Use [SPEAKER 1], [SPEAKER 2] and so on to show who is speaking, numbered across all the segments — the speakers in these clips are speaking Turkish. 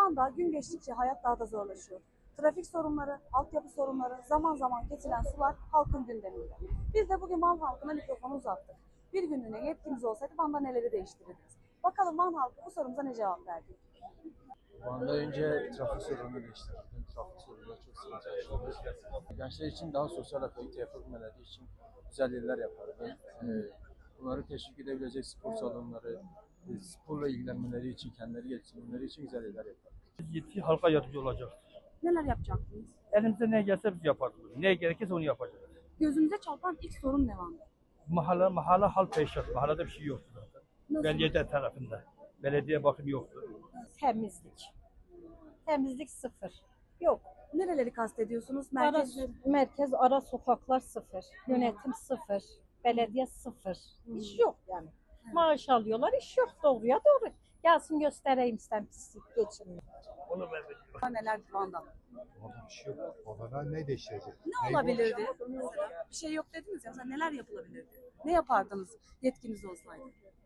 [SPEAKER 1] Van'da gün geçtikçe hayat daha da zorlaşıyor. Trafik sorunları, altyapı sorunları, zaman zaman kesilen sular halkın gündeminde. Biz de bugün Van halkına mikrofonu uzattık. Bir günlüğüne yetkimiz olsaydı Van'da neleri değiştirirdiniz? Bakalım Van halkı bu sorumuza ne cevap verdi?
[SPEAKER 2] Van'da önce trafik sorununu değiştirdim. Trafik sorununa çok sıkıntı yaşıyoruz. Gençler için daha sosyal aktivite yapabilmeleri için güzel yerler yapardım. Bunları teşvik edebilecek spor salonları, sporla ilgilenmeleri için, kendileri geliştirmeleri için güzel yerler yapardım.
[SPEAKER 3] Yetki halka yardımcı olacak.
[SPEAKER 1] Neler yapacaktınız?
[SPEAKER 3] Elimizde ne gelse biz yapardık. Ne gerekirse onu yapacağız.
[SPEAKER 1] Gözünüze çarpan ilk sorun ne Van'da?
[SPEAKER 3] Mahalle hal peşat. Mahallede bir şey yoktu zaten.
[SPEAKER 1] Nasıl?
[SPEAKER 3] Belediye tarafında. Belediye bakım yoktu.
[SPEAKER 4] Temizlik. Temizlik sıfır. Yok.
[SPEAKER 1] Nereleri kastediyorsunuz?
[SPEAKER 4] Merkez ara sokaklar sıfır. Yönetim sıfır. Belediye sıfır. İş yok yani. Maaş alıyorlar, iş yok. Doğruya doğru. Gelsin göstereyim sen pislik geçirmiyor.
[SPEAKER 3] Onu ben de
[SPEAKER 1] Neler Van'da?
[SPEAKER 5] Orada bir şey yok. Orada ne değiştirecek?
[SPEAKER 1] Ne olabilirdi? Mesela bir şey yok dediniz ya. Mesela neler yapılabilirdi? Ne yapardınız yetkiniz olsaydı?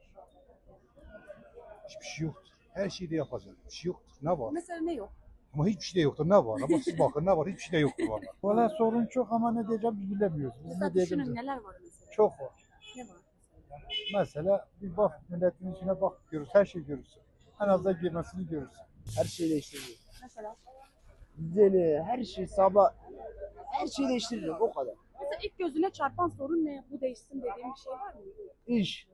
[SPEAKER 5] Hiçbir şey yoktur. Her şeyi de yapacak. Bir şey yoktur. Ne var?
[SPEAKER 1] Mesela ne yok?
[SPEAKER 5] Ama hiçbir şey de yoktur. Ne var? Ama siz bakın ne var? Hiçbir şey de yoktur valla.
[SPEAKER 6] Valla sorun çok ama ne diyeceğim biz bilemiyoruz. Biz
[SPEAKER 1] Mesela
[SPEAKER 6] ne diyeceğimiz
[SPEAKER 1] düşünün neler var mesela?
[SPEAKER 6] çok var.
[SPEAKER 1] Ne var?
[SPEAKER 6] Mesela bir bak milletin içine bak görürüz, her şeyi görürsün. En azından girmesini görürsün.
[SPEAKER 7] Her şeyi değiştiririm.
[SPEAKER 1] Mesela?
[SPEAKER 7] Düzeni, her şey sabah, her şeyi değiştiririm o kadar.
[SPEAKER 1] Mesela ilk gözüne çarpan sorun ne? Bu değişsin dediğim bir şey var mı?
[SPEAKER 7] İş.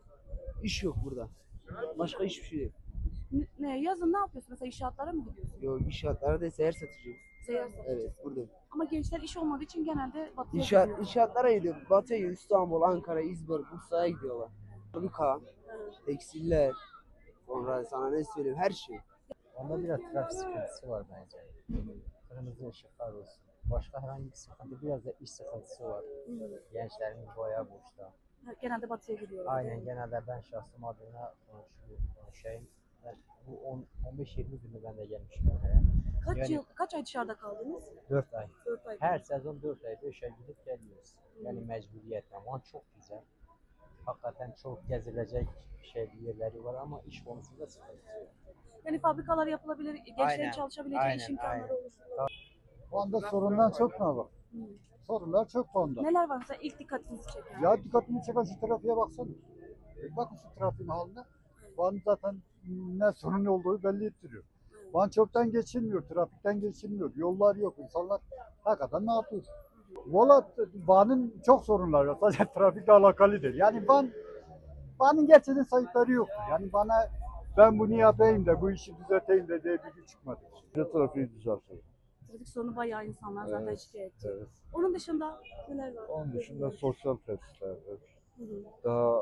[SPEAKER 7] İş yok burada. Başka hiçbir şey yok.
[SPEAKER 1] Ne? Yazın ne yapıyorsun? Mesela inşaatlara mı gidiyorsun?
[SPEAKER 7] Yok inşaatlarda da seyyar satıcıyım.
[SPEAKER 1] Seyahat satıyorsun.
[SPEAKER 7] Evet buradayım.
[SPEAKER 1] Ama gençler iş olmadığı için genelde batıya
[SPEAKER 7] İnşaat,
[SPEAKER 1] gidiyor.
[SPEAKER 7] inşaatlara gidiyor. Batı'ya gidiyor. İstanbul, Ankara, İzmir, Bursa'ya gidiyorlar. Fabrika, tekstiller, sonra sana ne söyleyeyim her şey.
[SPEAKER 2] Onda biraz trafik sıkıntısı var bence. Kırmızı ışıklar olsun. Başka herhangi bir sıkıntı, biraz da iş sıkıntısı var. Gençlerimiz bayağı boşta.
[SPEAKER 1] Genelde batıya gidiyorlar.
[SPEAKER 2] Aynen, genelde ben şahsım adına konuşayım. Ben bu 15-20 günü ben de gelmişim oraya.
[SPEAKER 1] Kaç ay dışarıda kaldınız?
[SPEAKER 2] 4 ay.
[SPEAKER 1] 4 ay.
[SPEAKER 2] Her sezon 4 ay 5 ay gidip geliyoruz. Yani mecburiyetten. Van çok güzel. Hakikaten çok gezilecek yerleri var ama iş konusunda sıkıntı yok.
[SPEAKER 1] Yani fabrikalar yapılabilir, gençlerin
[SPEAKER 2] Aynen,
[SPEAKER 1] çalışabileceği iş
[SPEAKER 2] aynen,
[SPEAKER 1] imkanları
[SPEAKER 2] aynen.
[SPEAKER 1] oluşturulabilir.
[SPEAKER 6] Van'da sorundan çok ne var? Sorunlar çok Van'da.
[SPEAKER 1] Neler var mesela ilk dikkatinizi çeken?
[SPEAKER 6] Ya dikkatimi çeken şu trafiğe baksana. Bakın şu trafiğin haline. Van zaten ne sorun olduğu belli ettiriyor. Van çöpten geçilmiyor, trafikten geçilmiyor. Yollar yok, insanlar hakikaten ne yapıyor? Valla Van'ın çok sorunları var. Sadece trafikle alakalı değil. Yani Van'ın gerçekten sayıkları yok. Yani bana ben bunu yapayım da bu işi düzelteyim de diye bir güç çıkmadı.
[SPEAKER 5] Trafiği düzeltiyor.
[SPEAKER 1] Trafik sorunu bayağı insanlar zaten
[SPEAKER 5] Evet,
[SPEAKER 1] şikayetçi.
[SPEAKER 5] evet.
[SPEAKER 1] Onun dışında neler var?
[SPEAKER 5] Onun dışında sosyal tesisler,
[SPEAKER 1] Hı hı.
[SPEAKER 5] daha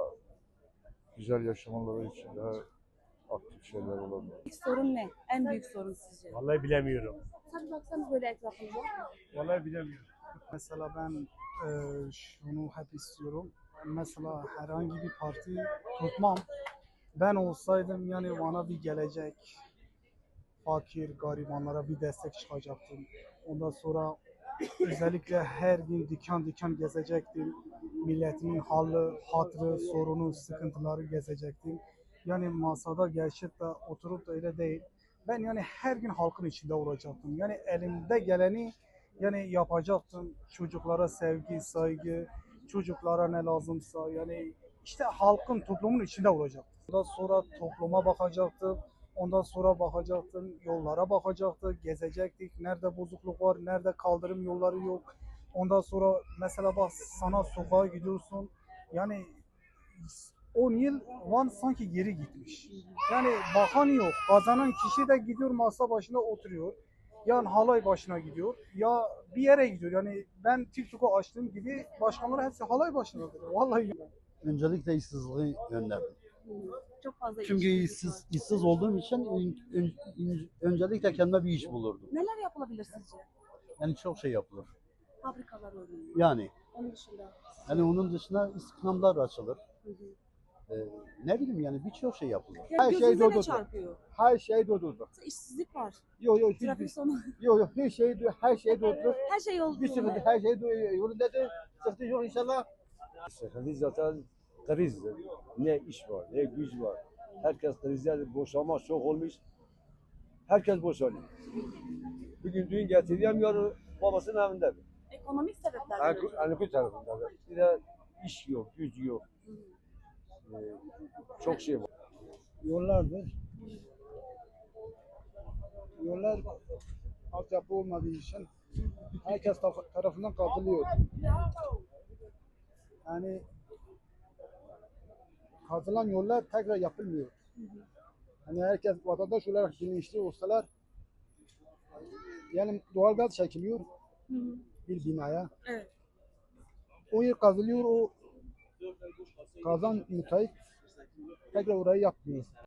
[SPEAKER 5] güzel yaşamaları için daha aktif şeyler olabilir.
[SPEAKER 1] İlk sorun ne? En büyük sorun sizce?
[SPEAKER 3] Vallahi bilemiyorum.
[SPEAKER 1] Tabii baksanız böyle etrafınıza.
[SPEAKER 3] Vallahi bilemiyorum.
[SPEAKER 8] Mesela ben şunu hep istiyorum. Mesela herhangi bir parti tutmam. Ben olsaydım yani bana bir gelecek, fakir, garibanlara bir destek çıkacaktım. Ondan sonra özellikle her gün dükkan dükkan gezecektim. Milletimin halı, hatrı, sorunu, sıkıntıları gezecektim. Yani masada gerçekten oturup da öyle değil. Ben yani her gün halkın içinde olacaktım. Yani elimde geleni yani yapacaktım. Çocuklara sevgi, saygı, çocuklara ne lazımsa yani işte halkın, toplumun içinde olacaktım. Ondan sonra topluma bakacaktım. Ondan sonra bakacaktım, yollara bakacaktım, gezecektik. Nerede bozukluk var, nerede kaldırım yolları yok. Ondan sonra mesela bak sana sokağa gidiyorsun. Yani 10 yıl Van sanki geri gitmiş. Yani bakan yok. Kazanan kişi de gidiyor masa başında oturuyor. Ya halay başına gidiyor ya bir yere gidiyor. Yani ben TikTok'u açtığım gibi başkanlar hepsi halay başına gidiyor. Vallahi.
[SPEAKER 9] Öncelikle işsizliği önledim.
[SPEAKER 1] Çok fazla
[SPEAKER 9] Çünkü işsiz olduğum için öncelikle kendime bir iş bulurdum.
[SPEAKER 1] Neler yapılabilir sizce?
[SPEAKER 9] Yani çok şey yapılır.
[SPEAKER 1] Fabrikalar örneğin.
[SPEAKER 9] Yani
[SPEAKER 1] Onun dışında.
[SPEAKER 9] onun dışında istihdamlar açılır.
[SPEAKER 1] Hı hı.
[SPEAKER 9] Ne bileyim yani birçok şey yapılır.
[SPEAKER 1] Yani
[SPEAKER 9] Her şey
[SPEAKER 1] gözünüze ne
[SPEAKER 9] durdurdu.
[SPEAKER 1] çarpıyor?
[SPEAKER 9] Her şey durdurdu.
[SPEAKER 1] Mesela İşsizlik var.
[SPEAKER 9] Yok
[SPEAKER 1] Trafik sorunu.
[SPEAKER 9] yok her şey durdurdu.
[SPEAKER 1] Her şey
[SPEAKER 9] Bir
[SPEAKER 1] oldu.
[SPEAKER 9] sıkıntı her şey yolundadır. Sıkıntı yok inşallah.
[SPEAKER 10] Sıkıntı zaten krizdir. Ne iş var, ne güç var. Herkes krizde boşanma çok olmuş. herkes boşanıyor. Bugün düğün getiremiyor, babasının evinde.
[SPEAKER 1] Ekonomik sebeplerden ötürü.
[SPEAKER 10] Hani bu tarafında da. Bir de iş yok, güç yok. Çok şey var.
[SPEAKER 8] Yollardır. Yollar altyapı olmadığı için herkes tarafından kazılıyor. Yani kazılan yollar tekrar yapılmıyor. Hani herkes vatandaş olarak bilinçli olsalar, yani doğalgaz çekiliyor bir binaya.
[SPEAKER 1] Evet.
[SPEAKER 8] O yer kazılıyor, o kazan müteahhit tekrar orayı yapmıyor.